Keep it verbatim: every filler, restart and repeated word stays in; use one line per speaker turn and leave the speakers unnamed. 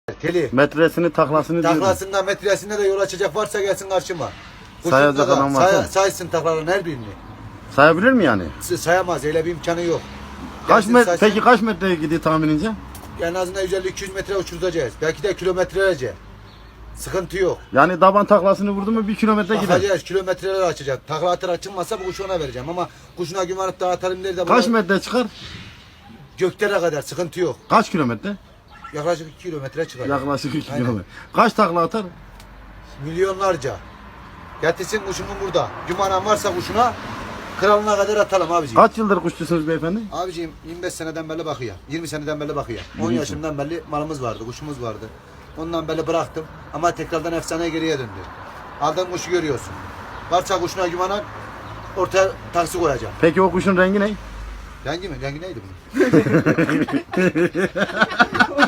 Teli.
Metresini, taklasını diyorum.
Taklasında, metresinde de yol açacak varsa gelsin karşıma.
Sayacak adam varsa.
Say, saysın taklaların her birini.
Sayabilir mi yani?
Sayamaz, öyle bir imkanı yok.
Kaç
Gelsin
met
saysın.
peki kaç metreye gidiyor tahminince?
En azından yüz elli iki yüz metre uçuracağız. Belki de kilometrelerce. Sıkıntı yok.
Yani taban taklasını vurdu mu bir kilometre gider.
Bakacağız, kilometreler açacak. Takla atır açılmazsa bu kuşu ona vereceğim ama kuşuna güvenip dağıtalım der de
Kaç
buna-
metre çıkar?
göklere kadar sıkıntı yok.
Kaç kilometre?
Yaklaşık iki kilometre çıkar.
Yaklaşık iki
Aynen.
kilometre. Kaç takla atar?
Milyonlarca. Getirsin kuşumun burada. Gümanan varsa kuşuna kralına kadar atalım abiciğim.
Kaç yıldır kuşçusunuz beyefendi?
Abiciğim yirmi beş seneden beri bakıyor. yirmi seneden beri bakıyor. on yaşından beri malımız vardı, kuşumuz vardı. Ondan beri bıraktım ama tekrardan efsane geriye döndü. Aldığın kuşu görüyorsun. Varsa kuşuna gümanan ortaya taksi koyacağım.
Peki o kuşun rengi ne?
Rengi mi? Rengi neydi bunun?